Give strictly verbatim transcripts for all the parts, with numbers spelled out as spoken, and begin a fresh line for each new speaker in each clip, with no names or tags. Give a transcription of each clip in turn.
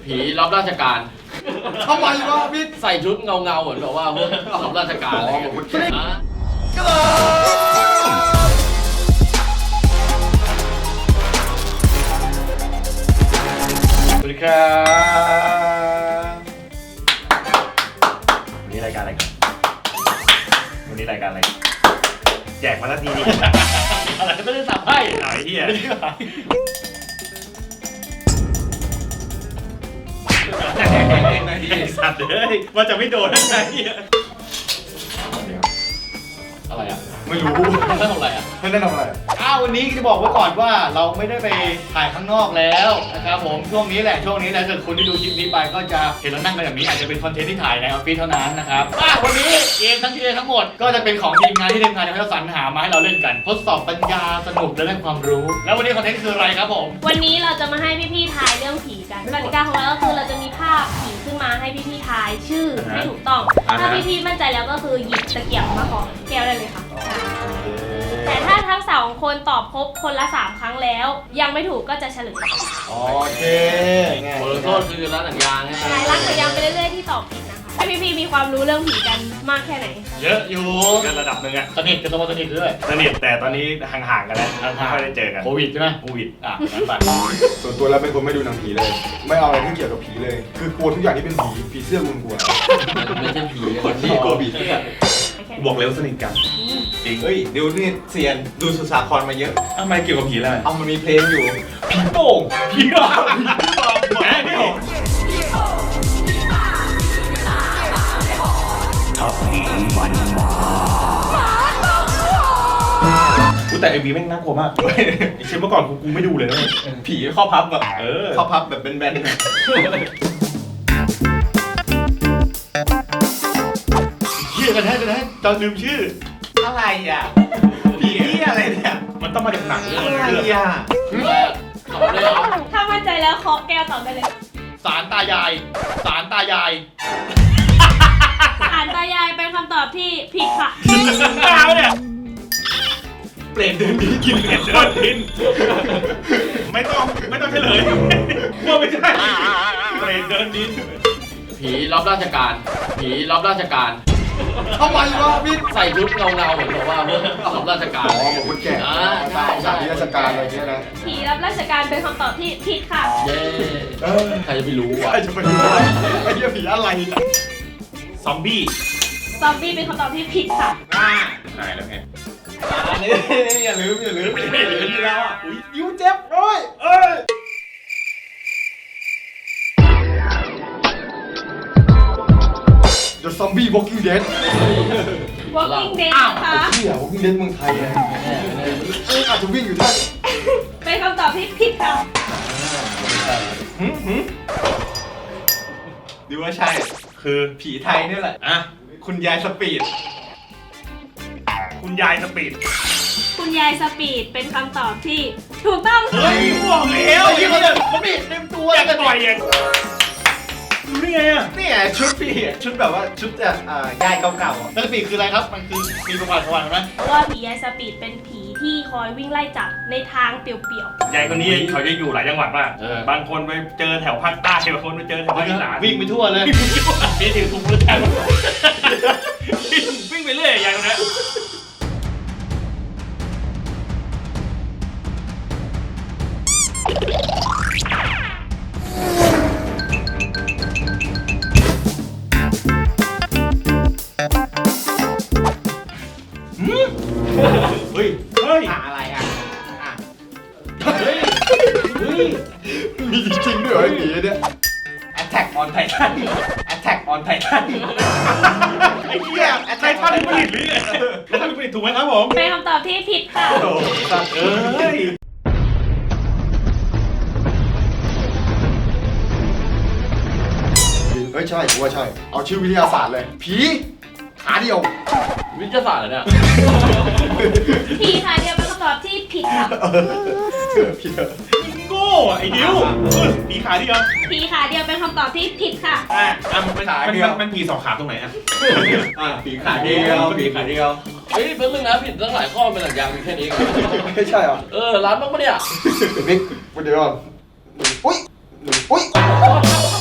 ผีรับราชการ
ทำไมวะพี่
ใส่ชุดเงาเงาเหมือนแบบว่าพวกรับราชการอะไรอย่างเงี้ย
ก็เลยสวัสดีครับวันนี้รายการอะไรกันวันนี้รายการอะไรแจกมาแล้วทีนี้
อะไรก็ไม่ได้สับให้
ไอ้เหี้ยสัตว์เลยว่าจะไม่โดนอะไร
อะไรอ่ะ
ไม่รู้
ไม่ได้ทำอะไรอ่ะ
ไม่ได้ทำอะไรอ้าววันนี้จะบอกไว้ก่อนว่าเราไม่ได้ไปถ่ายข้างนอกแล้วนะครับผมช่วงนี้แหละช่วงนี้แหละถ้าคุณที่ดูคลิปนี้ไปก็จะเห็นเรานั่งกันแบบนี้อาจจะเป็นคอนเทนต์ที่ถ่ายในออฟฟิศเท่านั้นนะครับวันนี้เกมทั้งทีทั้งหมดก็จะเป็นของทีมงานที่ทีมงานจะให้เราสรรหามาให้เราเล่นกันทดสอบปัญญาสนุกและได้ความรู้แล้ววันนี้คอนเทนต์คืออะไรครับผม
วันนี้เราจะมาให้พี่ๆทายเรื่องผีกันกติกาของเราก็คือเราจะมีภาพผีขึ้นมาให้พี่ๆทายชื่อให้ถูกต้องถ้าพี่ๆมั่นใจแล้วก็คือหยิบตะเกียบมาขอแก้วได้เลยค่ะแต่ถ้าทั้งสองคนตอบครบคนละสามครั้งแล้วยังไม่ถูกก็จะเฉลย
โอเค
บทลงโทษคือร้านหนังยางใช่ไหม
ร้านหนังยางไปเรื่อยๆที่ตอบผิดนะคะให้พี่ๆมีความรู้เรื่องผีกันมากแค่ไหน
เยอะอยู่กันระดับหนึ่งอะสนิทกันตัวสนิทด้วยสนิทแต่ตอนนี้ห่างๆกันแล้วไม่ค่อยได้เจอกัน
โควิดใช่ไหม
โควิดอ่ะงั้นไปส่วนตัวแล้วเป็นคนไม่ดูหนังผีเลยไม่เอาอะไรที่เกี่ยวกับผีเลยคือกลัวทุกอย่างที่เป็นผีผีเสื้อมึงกลัว
ไม่ใช่ผี
คนที่กลัวผีเสื้อบอกเร็วสนิทกันจริงเฮ้ยเดี๋ยวนี่เซียนดูสุสาครมาเยอะทำไมเกี่ยวกับผีอะไรเอามันมีเพลงอยู่ผีโป่งผีบ้าผีบ้าแหมไม่หรอถ้าผีมันมาแต่เอ็มวีแม่งน่ากลัวมากไอ้เช่นเมื่อก่อนกูกูไม่ดูเลยนะผีข้อพับแบบเออข้อพับแบบแบนๆเฮียกันแท้กันแท้จำลืมชื่ออะไรอ่ะผีอะไรเนี่ยมันต้องมาจากหนังอะไรอ่ะ
ตอบเลยเหรอ
ถ้ามั่นใจแล้วเคาะแก้วตอบได้เลย
ศาลตายายศาลตายาย
ศาลตายายเป็นคำตอบที่ผิดค่ะ
ตาเนี่ยเปลี่ยนเดินดินกินเปลี่ยนเดินดินไม่ต้องไม่ต้องเฉลยว่าไม่ใช่เปลี่ยนเดินดิน
ผีรับราชการผีรับราชการ
ทำไมวะพี่
ใส่ชุดเงาเงาเหมือนแบบว่าพวกรับราชการ
อ๋อเหมือนคนแก่ใช่ใช่ราชการอะไรเงี้ยนะ
ผีรับราชการเป็นคำตอบที่ผิดค่ะ
เย้ใครจะไปรู้วะ
ใครจะไปรู้ไอ้เหี้ยผีอะไรซอมบี้
ซอมบี้เป็นคำตอบที่ผิดค่ะ
อ่าใช่แล้วไงอันนี้อย่าลืมอย่าลืมอย่าลืมแล้วอ่ะอุ้ยยิ้วเจ็บเอ้ยเอ้ย The Zombie Walking Dead
Walking Dead ค่ะ
เหี้ย Walking Dead เมืองไทยไงเอ้ยอาจจะวิ่งอยู่ท่าน
เป็นคำตอบที่ผิดค่ะ
หืมหืมดูว่าใช่คือผีไทยนี่แหละอ่ะคุณยายสปีดคุณยายสปีด
คุณยายสปีดเป็นคำตอบที่ถูกต้อง
เฮ้ยบอกแล้วไอ้คนเนี่ยมันไม่เต็มตัวอยากจะปล่อยอย่างรู้ได้ไงอ่ะนี่ไงชุดพี่ชุดแบบว่าชุดจากอ่ายายเก่าๆอ่ะยายสปีดคืออะไรครับมันคือมีประวัติประวัติไหม
เพราะว่าผียายสปีดเป็นผีที่คอยวิ่งไล่จับในทางเปลี่ยว
ๆยายคนนี้เขาจะอยู่หลายจังหวัดมากบางคนไปเจอแถวภาคใต้บางคนไปเจอแถวภาคอีสานวิ่งไปทั่วเลยนี่ถึงทุกพื้นที่วิ่งไปเรื่อยยายคนนี้เฮ้ยเฮ้ยอะไรอ่ะเฮ้ยเฮ้ยมีจริงๆด้วยเหรอไอ้ผีเนี่ย Attack on Titan Attack on Titan ไอ้เหี้ย Attack on Titan ผลิตหรือไง Titan ผลิตถูกไหมครับผม
เป็นคำตอบที่ผิดค่ะ
โอ้สัตว์เอ้ยเฮ้ยใช่กูว่าใช่เอาชื่อวิทยาศาสตร์เลยผีขาเดียว
วิทยาศาสตร์เหรอเนี่ย
ผีขาเดียวเป็นคำตอบที่ผิดค่ะ
ผิดโง่ไอ้ดิวผีขาเดียว
ผีขาเดียวเป็นคำตอบที่ผิดค่ะ
อ่ะมันเป็นขาเดียวมันผีสองขาตรงไหนอ่ะอ่ะผีขาเดียวผีขาเดียว
เฮ้ยเป็นเรื่องนะผิดตั้งหลายข้อเป็นหลักยางมีแค่นี้
ไม่ใช่เหรอ
เออร้านบ้างปะเนี่ย
บิ๊กเดี๋ยวก่อนอุ้ยอุ้ย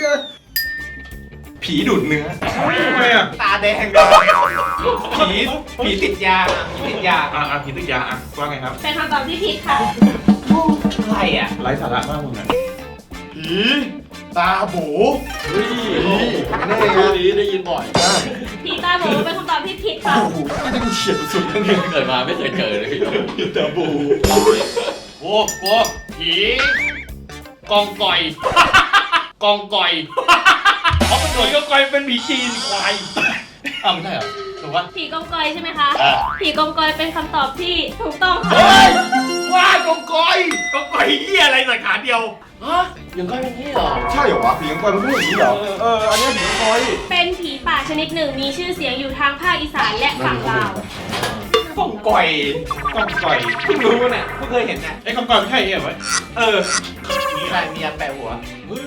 เลย
ผีดูดเนื้อ
ทำไมอ่ะ
ตาแดงเลยผีผีติดยาผีติดยา
อ่ะอ่ะผีติดยาอ่ะว่าไงครับ
เป็นคำตอบที่ผิดค่ะ
อะไรอ่ะ
ไร้สาระมากมึงอ่ะ
ผีตาโบ
เฮ้ย
แน่
ชื่อ
นะ
นี้ได้ยินบ่อย
ผีตาโบเป็นคำตอบที่ผิดค่ะ
โอ้โหไม่ได้เฉียดสุดๆเลยเนี่ย
เกิดมาไม่เคยเจอเลยพี่
ผีตาบู
โอ้โหผีกองกอยกองกอยเขาเป็นหน่วยกองกอยเป็นผีจีนควายอ้าวไม่ใช่เหรอถูกปะ
ผีกองกอยใช่ไหมคะ
อ่ะ
ผีกองกอยเป็นคำตอบที่ถูกต้องค่ะ
เฮ้ยว่ากองกอยกองกอยเหี้ยอะไรใส่ขาเดียว
ฮะยังก็เป็นที่เหรอ
ใช่เหรอวะผีกังกอยมันไม่ใช่อย่างนี้เหรอเอออันนี้ผีกังกอย
เป็นผีป่าชนิดหนึ่งมีชื่อเสียงอยู่ทางภาคอีสานและฝั่งลาว
กองก่อย
กองกอย
เพิ่งรู้เนี่ยเพิ่งเคยเห็นเนี่ย
ไอ้กองกอยไม่ใช่เหรอวะ
เออมีอะไรมีอันแปะหัว
โอ้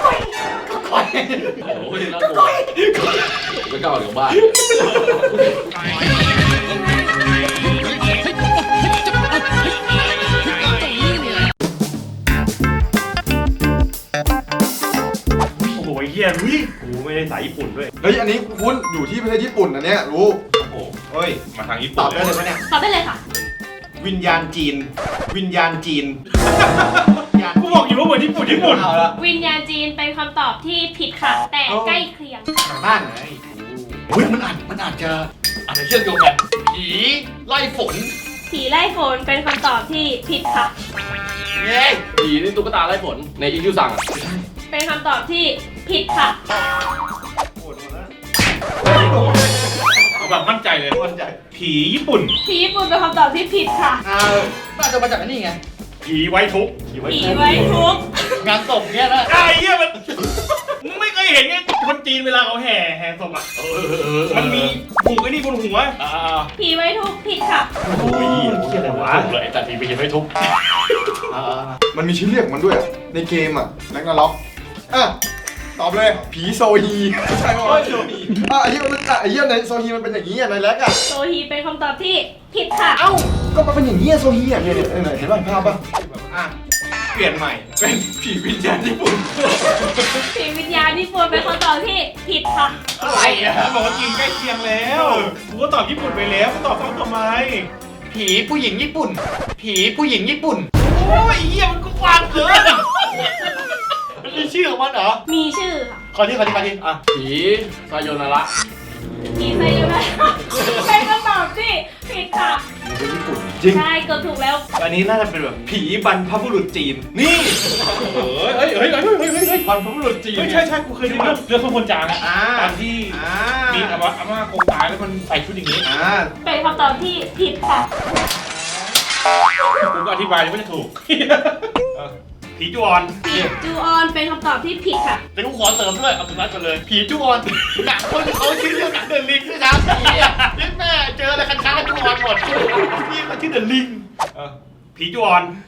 ยน่ากลัวไม่กล้าออกจากบ้าน
โอ้โหไอ้เฮียวิกูไม่ได้สายญี่ปุ่นด้วย
เฮ้ยอันนี้คุณอยู่ที่ประเทศญี่ปุ่นนะเนี่ยรู้
โอ้โห
เฮ้ย
มาทางญี่
ต
ปุ่
อน บได้เลยปะเนี่ย
ตอบได้เลยค่ะ
วิญญาณจีน วิญญาณจีน
กูบอกอยู่ว่าเหมือนญี่ปุ่นญี่ปุ่น
เอาละ
วิญญาณจีนเป็นคำตอบที่ผิดค่ะ แต่ใกล้เคียง
ทางบ้านไง
เฮ้ยมันอาจมันอาจจะอาจจะเชื่อมโยงกันผีไล่ฝน
ผีไล่ฝนเป็นคำตอบที่ผิดค่ะ
เย้
ผีนี่ตุ๊กตาไล่ฝนในอีคิวสั่งอะ
เป็นคำตอบที่ผิดค่ะ
เอาแบบมั่นใจเลย
มั่นใจ
ผีญี่ปุ่น
ผีญี่ปุ่นเป็นคำตอบที่ผิดค่ะ
อ่าน่าจะมาจากอันนี้ไง
ผีไว้ทุกข์
ผีไว้
ผีไว้ทุกข์
งานศพเนี่ยนะ
ไอ้เหี้ยมันมึงไม่เคยเห็นไงคนจีนเวลาเขาแห่แห่ศพอ่ะ
เออเออเออ
มันมีผูกไอ้นี่บนหัว
อ่า
ผีไว้ทุกข์ผิดค่ะ
โอ้ยเหี้ยอะไรวะ
ถูกเลยแต่ผีไปยังไม่ทุบอ่า
มันมีชื่อเรียกของมันด้วยอะในเกมอ่ะแร็กนาร็อกอ่ะตอบเลยผีโซฮีใช่ไหมวะอ่ะไอ้เหี้ยมันอ่ะไอ้เหี้ยในโซฮีมันเป็นอย่างนี้อ่ะในแร็กอ่ะ
โซฮีเป็นคำตอบที่ผิดค่ะ
เอ้าก็มันเป็นอย่างนี้อ่ะโซฮีอ่ะเนี่ยเนี่ยเนี่ยเห็นป่ะภาพป่ะ
อ่ะ เปลี่ยนใหม่ เป็นผีวิญญาณญี่ปุ่น
ผีวิญญาณญี่ปุ่นเป็นคำตอบที่ผิดค่ะ
อะไรอ่ะ
บอกว่าจีนใกล้เคียงแล้วกูก็ตอบญี่ปุ่นไปแล้วกูตอบซ้ำทำไม
ผีผู้หญิงญี่ปุ่น ผีผู้หญิงญี่ปุ่น
โอ้ยเหี้ยมันก็กว้างเกิน
มันมีชื่อของมันเหรอ
มีชื่อค่ะ
ขอที่ขอที่ขอที่อ่ะ
ผีซายโยนาระ
ผีไซยูนะเป็นคำตอบที่ผิดค่ะ
จริง
ใช่เกือบถูกแล้ว
อันนี้น่าจะเป็นแบบผีบรรพบุรุษจีน
นี่ เฮ้ยเฮ้ยเฮ้ยเฮ้ยเฮ้ยเฮ้ยเฮ้ย
บรรพบุรุษจีน
เฮ้ยใช่ใช่กูเคยดูเรื่องเรื่องข้าวคนจางอะ
อ่า
ตอนที่
อ่า
มีอาม่าอาม่าโกงตายแล้วมันใส่ชุดอย่างนี้
อ่า
เป็นคำตอบที่ผิดค่ะ
กูก็อธิบายยังไม่ได้ถูกเออผีจวน
ผีจูออนเป็นคำตอบที่ผิดค่ะ
แต่กูขอเสริมด้วยเอาสุนัขกันเลย ผีจุออนหนังคนเขาชื่อเรื่องหนังเดอะลิงด้วยนะผีอ่ะนี่แม่เจออะไรคันช้างกันจุออนหมดพี่เขาชื่อเดอะลิง
เออผีจวน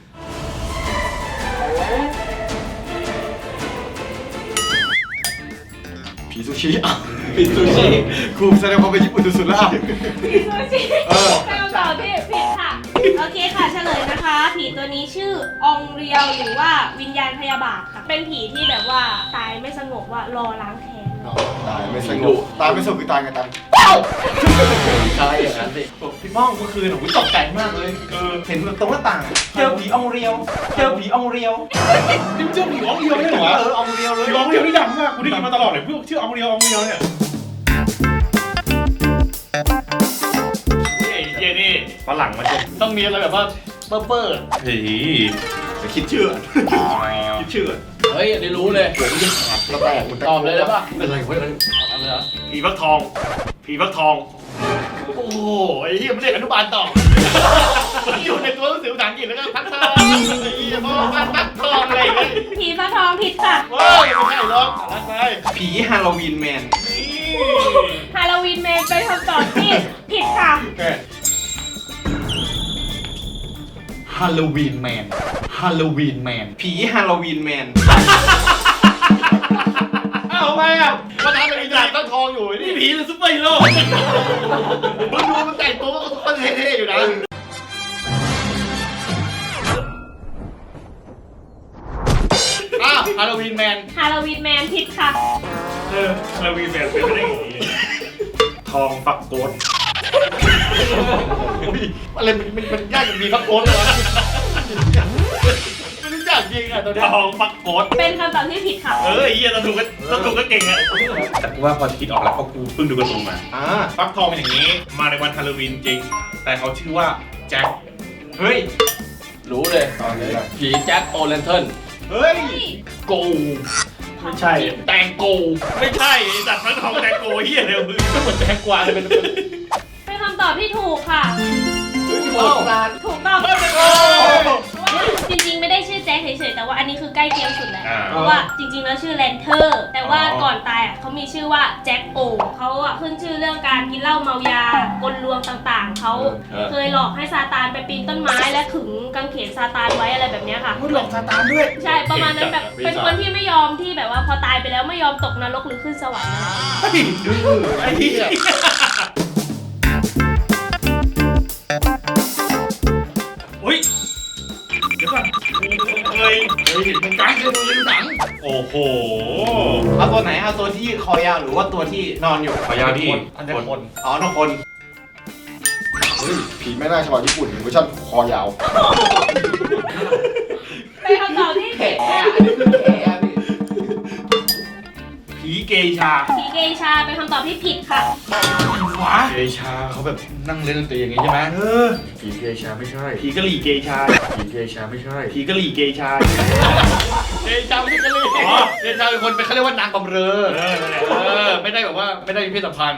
ผีซูชิอ่ะผีซูชิครูแสดงความเป็นญี่ปุ่นสุดๆแล้วอ่ะ
ผีซูชิ
เออ
เป็นคำตอบที่ผิดค่ะ โอเคค่ะเฉลยนะคะ ผีตัวนี้ชื่อองเรียวหรือว่าวิญญาณพยาบาทค่ะ เป็นผีที่แบบว่าตายไม่สงบว่ารอล้างแค้น
ตายไม่สงบตายไม่สงบคือตายไงตาย
ใช่อย่างนั้นสิ
พี่ม่องเมื่อคืนผมตกใจมากเลย เออ เห็นแบบตรงหน้าต่าง เจอผีอองเรียว เจอผีอองเรียว
นี่มันชื่อผีอองเรียวไม่ใช่เหรอ
เอออองเรียวเลย
ผีอองเรียวนี่ดังมากกูได้ยินมาตลอดเลยพวกชื่ออองเรียวอองเรียวเนี่ยไอ้เจนี่ฝรั่งมันจะ
ต้องมีอะไรแบบว่าเปอร์เปอร์
ผี
จะคิดชื่อคิดชื่อ
เฮ้ยอันนี้รู้เลย
แล้วแตกมัน
ตอบเลยได้ปะ
เป็นอะไรเว้ยเอาเลยเหรอ
ผีฟักทองผีฟักทอง
โอ้โหไอ้เหี้ยไม่ได้อนุบาลต่อมันอยู่ในตัวหนังสือภาษาอังกฤษแล้วก็พักทองไอ้เหี้ยพ่อพักพักทองอะไรอย่างเงี้ย
ผีฟ้าทองผิดค่ะ
ว้าวไม่ใช่หรอกรักไป
ผีฮาโลวีนแมน
ฮาโลวีนแมนเป็นคำตอบที่ผิดค่ะ
ฮาโลวีนแมนฮาโลวีนแมน
ผีฮาโลวีนแมน
อ้าวทำไมอ่ะมันทำเป็นอีกอย่างตั้งทองอยู่นี่ผีหรือซุปเปอร์ฮีโร่มึงดูมันแต่งตัวก็ซุปเปอร์เท่ๆอยู่นะอ้าวฮาโลวีนแมน
ฮาโลวีนแมนผิดค่ะ
เออเราวีแบบเป็นไม่ได้อย่างนี้ทองปักโกด
อุ้ยอะไรมันมันมันยากอย่างมีพักโค้ดเลยวะไม่รู้จักจริงอ่ะตัวเนี้
ท
ย
องปักโกด
เป็นคำตอบที่ผิดค่ะ
เออไอ้เหี้ยตะถูกก็ตะถูกก็เก่งอะแต่กูว่าพอจะคิดออกแล้วเพราะกูเพิ่งดูการ์ตูนมา
อ่า
ฟักทองเป็นอย่างนี้ มาในวันฮาโลวีนจริง แต่เขาชื่อว่าแจ็ค
เฮ้ย
รู้เลย
ตอนนี้แหละ
ผีแจ็คโอเลนเทิร์น
เฮ้ย
โก
ไม่ใช่
แตงโก
ไม่ใช่ไอ้สัตว์ฟักทองแตงโกเหี้ยเร็วมึง
เหมือนแตงกวาเลยเป็น
เป็นคำตอบที่ถูกค่ะ
โอ้
ถูกต้องจริงๆไม่ได้ชื่อแจ็คเฉยๆแต่ว่าอันนี้คือใกล้เคียงสุดแล้ว
อ่า
เพราะว่าจริงๆแล้วชื่อแลนเทอร์แต่ว่าก่อนตายอ่ะเขามีชื่อว่าแจ็คโอเขาอ่ะขึ้นชื่อเรื่องการกินเหล้าเมายากลลวงต่างๆเขาเคยหลอกให้ซาตานไปปีนต้นไม้และขึงกางเขนซาตานไว้อะไรแบบเนี้ยค่ะ
พูดหลอกซาตานด้วย
ใช่ประมาณนั้นแบบเป็นคนที่ไม่ยอมที่แบบว่าพอตายไปแล้วไม่ยอมตกนรกหรือขึ้นสวรรค์นะคะ
ไอ้เหี้ยอุ้ยเดี๋ยวก่อนเคย
เฮ้ยมันกลายเป็นตัวหนัง
โอ้โห
เอาตัวไหนเอาตัวที่คอยาวหรือว่าตัวที่นอนอยู่
คอยาวที่
อันเดอร์คนอ๋อนคน
เฮ้ยผีแม่นาคฉบับญี่ปุ่นเวอร์ชันคอยาว
เป็นคำตอบที่ผิดค่ะ
อันนี้คือแขอะพี่
ผีเกย์ชา
ผีเกชาเป็นคำตอบที่ผิดค่ะ
วะ
เกชาเขาแบบนั่งเล่นดนตรีอย่างงี้ใช่ไหม
เออ
ผีเกชาไม่ใช่
ผีกะหรี่เกย์ชา
ผีเกชาไม่ใช่
ผีกะหรี่เกย์ชา
เกชาไม่ใช่กันเลย
อ๋อ
เกชาเป็นคนเป็นเขาเรียกว่านางบำเรอ
เออนั่นแหละ
เออไม่ได้แบบว่าไม่ได้มีเพศสัมพันธ์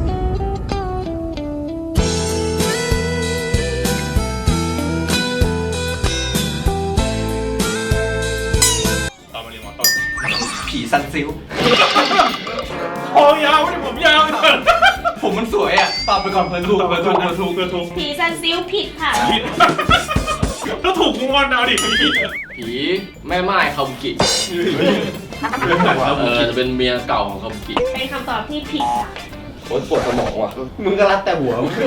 ต่อมาเรียนหมอต้น
ผีซันซิล
คอยาวไม่ได้ผมยาวเลย
ผมมันสวยอ่ะตอบไปก่อนเพื่อนถูก
ถูก
เพื่อน
ถู
ถู
ก
ก
ถูกถูก
ผีซันซิลผิดค่ะ
ผิดถ้าถูกกูงอนเอาดิพี่
ผีแม่ไม้คาบุกิ เออจะเป็นเมียเก่าของคาบุกิ
เป็นคำตอบที่ผิดค่ะ
โอ๊ยปวดสมองว่ะ
มึงก็รัดแต่หัวมึง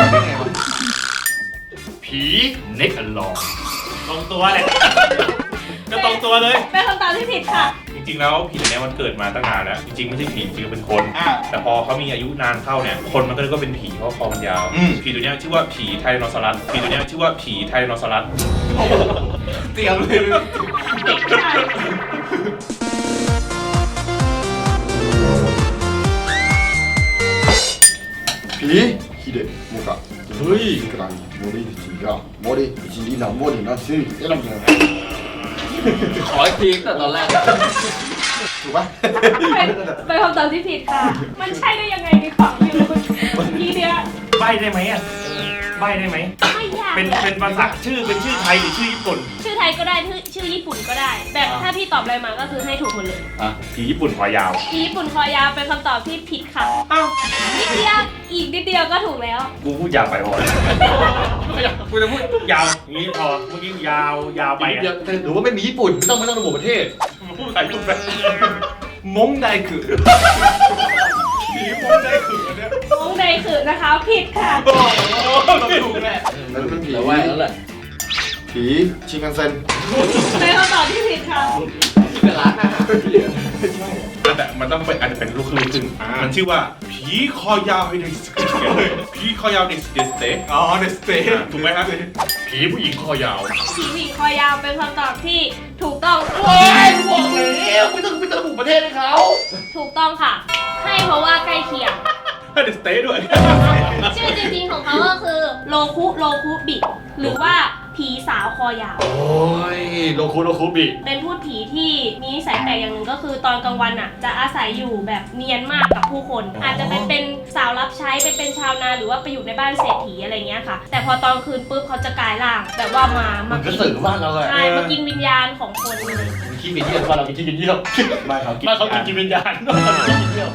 ผีเน็กอันลอง
ตรงตัวแหละก็ตรงตัวเลย
เป็นคำตอบที่ผิดค่ะ
จริงๆแล้วผีตัวเนี้ยมันเกิดมาตั้งนานแล้ว จริงๆไม่ใช่ผีจริงๆเป็นคน
อ่ะ
แต่พอเขามีอายุนานเข้าเนี่ย คนมันก็เลยก็เป็นผีเพราะคอมันยาว
อืม
ผีตัวเนี้ยชื่อว่าผีไทรโนซอรัส ผีตัวเนี้ยชื่อว่าผีไทรโนซอรัส
เตรียมเลย
ใช่
ผีฮิเดะโมกะเฮ้ยกลางโมริจิกะโมริจิรินาโมรินาซิเอ๊ะลำเนิน
ขออีกทีตั้งแต่ตอนแรก
ถูกปะ
เป็นเป็นคำตอบที่ผิดค่ะ มันใช่ได้ยังไงในความอยู่ทีเนี้ย
ใบได้ไหมอ่ะใบได้ไหม
ไม่ยาก
เป็นเป็นภาษาชื่อเป็นชื่อไทยหรือชื่อญี่ปุ่น
ชื่อไทยก็ได้ชื่อชื่อญี่ปุ่นก็ได้ แบบถ้าพี่ตอบอะไรมาก็คือให้ถูกหมดเลย
อ่ะ
ผีญี่ปุ่นคอยาว
ผีญี่ปุ่นคอยาวเป็นคำตอบที่ผิดค่ะ
อ้าว
นิดเดียวอีกนิดเดียวก็ถูกแล้ว
กูพูดยาวไปพอกูจะพูดยาวอย่างนี้พอเมื่อกี้ยาวยาวไป
ไป
อะ
เดียวหรือว่าไม่มีญี่ปุ่นไม่ต้องไม่ต้องระบุประเทศ
พูดภาษาญี่ปุ่นไป
มงไดคือ
ผีมองได้ขืนเนี่ย
มงใดขืนนะคะผิดค่ะ
โอ้โห
ถูกแหละ
นั่นมันผี
แต่ว่าแล้วแหละ
ผีชิงกันเซ็น
เป็นคำตอบที่ผิดค่ะ
เป็นร้านอาหารที่เหลือ
แต่มันต้องเป็นอาจจะเป็นลูกครึ่งซึ่งมันชื่อว่าผีคอยาวไฮเดสผีคอยาวเดสเดสเต
อ๋อเดสเตย์
ถูกไหมครับ
ผีผู้หญิงคอยาว
ผีผู้หญิงคอยาวเป็นคำตอบที่ถูกต้อง
โอ้ยบอกแล้วไม่ต้องไม่ต้องระบุประเทศให้เขา
ถูกต้องค่ะ ให้เพราะว่าใกล้เคียง
เดสเตด้วย
ชื่อจริงๆของเขาก็คือโลคุโลคุบิ หรือว่าผีสาวคอยาว
โอ้ยโลคุโลคุบิ
เป็นพูดผีที่มีนิสัยแปลกอย่างหนึ่งก็คือตอนกลางวันอ่ะ จะอาศัยอยู่แบบเนียนมากกับผู้คน อาจจะเป็นเป็นสาวรับใช้เป็นเป็นชาวนาหรือว่าไปอยู่ในบ้านเศรษฐีอะไรเงี้ยค่ะ แต่พอตอนคืนปุ๊บเขาจะกลายร่างแบบว่ามา
มั
มาน
ก็
กิน
สื่อบ้านเราเลย
ใช่มากินวิญญาณของคนเลย
ขี้กินเยี่ยมบ้านเรากินขี้กินเยี่ยม
ไม่ครับ
บ้านเขากินกินวิญญาณบ้านเรากินกินเยี่ยม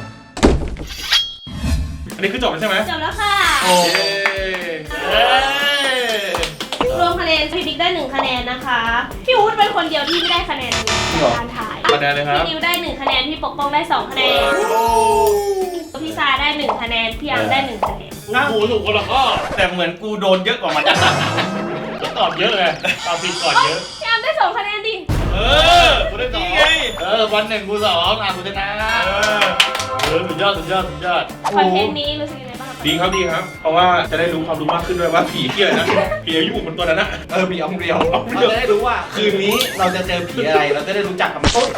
อันนี้คือจบแล้วใช่ไหม
จบแล้วค่ะ
โอ้ย
รวมคะแนนพี่บิ๊กได้หนึ่งคะแนนนะคะ พี่อู๊ดเป็นคนเดียวที่ไม่ได้คะแนนในการถ่าย
คะแนนเลยครับ
พี่นิวได้หนึ่งคะแนน พี่ปกป้องได้สองคะแนน พี่ซาได้หนึ่งคะแนน พี่อังได้หนึ่งคะแนน
น้าหูถูกคนละข้อ
แต่เหมือนกูโดนเยอะกว่ามัน
ก็ตอบเยอะไงตอบผิดก่อนเยอะ
พี่อังได้สองคะแนนดิ
เออคุณได้สองเออวันหนึ่งกูสองอ่ะคุณชนะเออสุดยอดสุดยอดสุดยอด
คอนเทนต์นี้รู้สึกยังไงบ้างคะ
ดีครับดีครับ เพราะว่าจะได้รู้ความรู้มากขึ้นด้วยว่าผีที่อะไรนะผีอายุมันตัวนั้นนะ
เออผีอองเรียวเราจะได้รู้ว่าคืนนี้เราจะเจอผีอะไรเราจะได้รู้จักกับต้น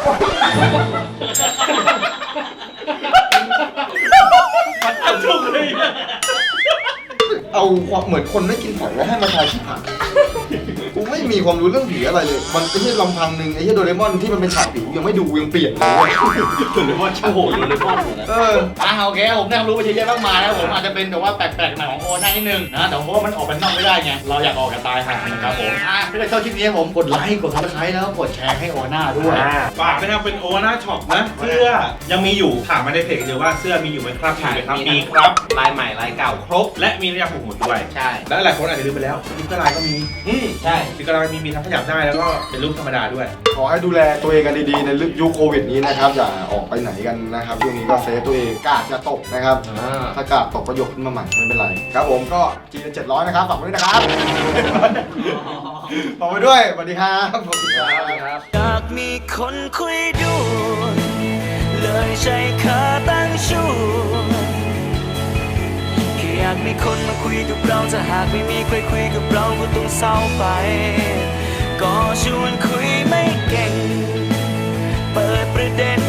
มันเอาถูกเลย
เอาความเหมือนคนไม่กินหอยแล้วให้มาทายที่ผักกูไม่มีความรู้เรื่องผีอะไรเลย มันไม่ใช่ลำพังหนึ่งไอ้ที่โดเรมอนที่มันเป็นฉากผียังไม่ดูยังเปลี่ยนเลย
โดเรมอนโอ้โหโดเรมอนหมดนะ
เออ
อ่ะโอเคผมได้ความรู้ไปเยอะแยะมากมายนะผมอาจจะเป็นแบบว่าแปลกๆหน่อยของโอน่านิดนึงนะแต่เพราะว่ามันออกไปนอกไม่ได้ไงเราอยากออกกับตายห่านะครับผมอ่ะถ้าใครชอบคลิปนี้ผมกดไลค์กดซับสไครต์แล้วกดแชร์ให้โอน่าด้วย
ฝากนะครับเป็นโอวาน่าช็อปนะเสื้อยังมีอยู่ถามมาในเพจเดียวว่าเสื้อมีอยู่ไหมครับมีไหมครับมีครับ
ลายใหม่ลายเก่าครบ
และมีระยะผูกหมุดด้วย
ใช่
และหลายคนอาจจะลืมไปแล้วสติ๊กเกอร์ลายก็มี
อืมใช่
สติ๊กเกอร์ลายมีมีทั้งขยับได้แล้วก็เป็นรูปธรรมดาด้วย
ขอให้ดูแลตัวเองกันดีๆในยุคโควิดนี้นะครับอย่าออกไปไหนกันนะครับช่วงนี้ก็เซฟตัวเองกาดจะตกนะครับถ้ากาดตกก็ยกขึ้นมาใหม่ไม่เป็นไรครับผมก็จีนเจ็ดร้อยนะครับฝากไว้ด้วยนะครับฝากไว้ด้วยสวัสดีครับสวัสดีครับ
อยากมีคนคุยด้วยเลยใช้ขาตั้งชูแค่อยากมีคนมาคุยกับเราถ้าหากไม่มีใครคุยกับเราก็ต้องเศร้าไปก็ชวนคุยไม่เก่งเปิดประเด็น